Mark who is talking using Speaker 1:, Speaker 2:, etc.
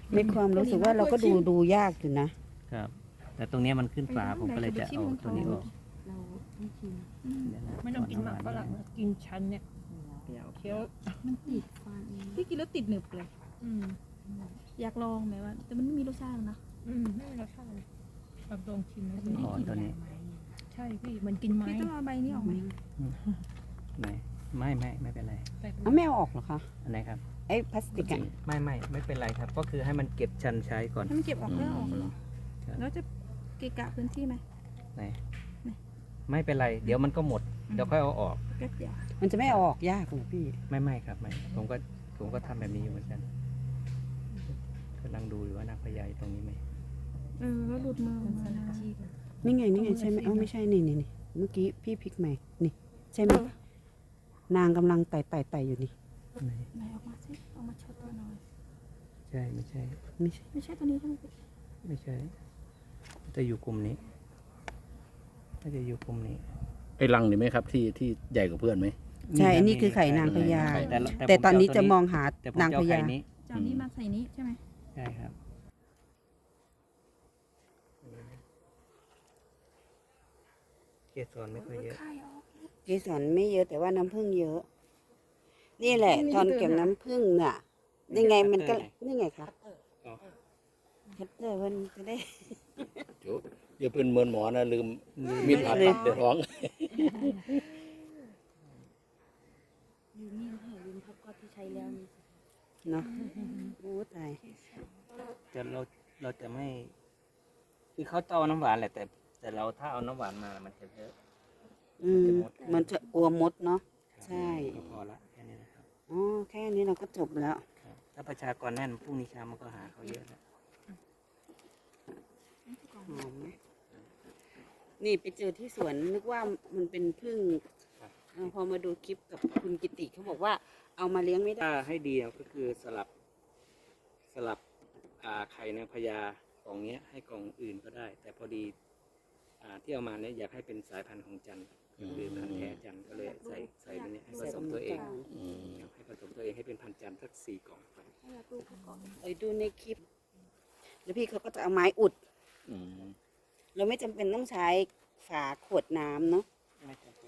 Speaker 1: มีความรู้สึกว่าเราก็ดูยากอยู่นะครับ
Speaker 2: แต่ตรงเนี้ยมันขึ้นฝาผมก็เลยจะเอาตัวนี้ออก
Speaker 3: เราไม่ชิม
Speaker 2: เดี๋ยวนะ
Speaker 4: ไม่ต้องกินหมากฝรั่งนะกินชั้นเนี่ยเคี้ยว
Speaker 3: มันติดฟันเอง
Speaker 5: พี่กินแล้วติดหนึบเลย
Speaker 4: อืม
Speaker 5: อยากลองไหมว่า แต่มันไม่มีรสชาตินะ
Speaker 4: ไม่มีรสชาติเลยแบบลองชิมนะ
Speaker 2: อ๋อตัวนี้
Speaker 4: ใช่พี่เหมือนกินไม้
Speaker 5: พี่ต้องเอาใบนี้ออกไหม
Speaker 2: ไหนไม่เป็นไร
Speaker 4: แต่
Speaker 1: เอาไม่เอาออกเหรอคะ
Speaker 2: อันไหนครับ
Speaker 1: ไอ้พลาสติกอะ
Speaker 2: ไม่เป็นไรครับ ก็คือให้มันเก็บชันใช้ก่อน
Speaker 5: ถ้ามันเก็บออกแล้วออกเหรอ
Speaker 2: ครับ
Speaker 5: แล้วจะเกะกะพื้นที่ไหม
Speaker 2: ไหนไม่เป็นไร เดี๋ยวมันก็หมดเดี๋ยวค่อยเอาออก
Speaker 5: แป๊บเดียว
Speaker 1: มันจะไม่เอาออกยากเหรอพี่
Speaker 2: ไม่ครับไม่ผมก็ทำแบบนี้อยู่เหมือนกันกำลังดูอยู่ว่านางพญาอยู่ตรงนี้ไหม
Speaker 5: แล้วหลุดมือออกมานะ
Speaker 1: นี่ไงใช่ไหมเอ้าไม่ใช่นี่เมื่อกี้พี่พลิกใหม่นี่ใช่ไหมนางกำลังไต่อยู่นี่
Speaker 2: ไหน
Speaker 5: ไหนออกมาสิออกมาโชว์ตัวหน่อย
Speaker 2: ใช่ไม่ใช่
Speaker 1: ไม่ใช่
Speaker 5: ไม่ใช่ตัวนี้ใช่ไหมพี่
Speaker 2: ไม่ใช่จะอยู่กลุ่มนี้น่าจะอยู่กลุ่มนี้
Speaker 6: ไอ้รังนี่ไหมครับที่ใหญ่กว่าเพื่อนไหม
Speaker 1: ใช่อันนี้คือไข่นางพญา
Speaker 2: แต่
Speaker 1: แต่ตอนนี้จะมองหา
Speaker 2: แต่ผม
Speaker 1: นาง
Speaker 2: จะ
Speaker 1: พ
Speaker 2: เอาไข่
Speaker 1: ญา
Speaker 2: นี้
Speaker 5: จานนี้มาใส่นี้ใช่ไหม
Speaker 2: ใช่ครับเกสรไม่ค่อยเยอะ
Speaker 5: ไข่ออก
Speaker 1: เกสรไม่เยอะแต่ว่าน้ำผึ้งเยอะ นี่แหละตอนเก็บน้ำผึ้งน่ะนี่ไงมันก็นี่ไงครับ
Speaker 2: อ๋อ
Speaker 1: คัตเตอร์มันจะได้
Speaker 6: อย่าเป็นเหมือนหมอนะลืมมีดผ่าตัดเดือดร้อง
Speaker 3: ลืมนี่ให้ลืมพับก็ที่ใช้แล้วนี่
Speaker 1: เนาะโอ้ตาย
Speaker 2: แต่เราจะไม่ คือเขาจะเอาน้ำหวานแหละแต่เราถ้าเอาน้ำหวานมามันจะเยอะ
Speaker 1: มันจะกลัวมดเนาะ ใช่
Speaker 2: ก็พอละแค่นี้นะครับ
Speaker 1: อ๋อแค่นี้เราก็จบแล้ว
Speaker 2: ครับถ้าประชากรแน่นพรุ่งนี้เช้ามันก็หาเขาเยอะแล้ว
Speaker 1: หอมไหมนี่ไปเจอที่สวนนึกว่ามันเป็นผึ้งพอมาดูคลิปกับคุณกิติเขาบอกว่าเอามาเลี้ยงไม่ได้
Speaker 2: ถ้าให้ดีก็คือสลับไข่นางพญากล่องเนี้ยให้กล่องอื่นก็ได้ แต่พอดีที่เอามาเนี่ยอยากให้เป็นสายพันธุ์ของจันทร์คือพันธุ์แท้จันทร์ก็เลยใส่ไปเนี่ยให้ผสมตัวเองครับให้ผสมตัวเองให้เป็นพันธุ์จันทร์สัก4 กล่องครับ
Speaker 1: ดูในคลิป แล้วพี่เขาก็จะเอาไม้อุด
Speaker 6: อืม
Speaker 1: เราไม่จำเป็นต้องใช้ฝาขวดน้ำเนาะ
Speaker 2: ไม่จำเป็น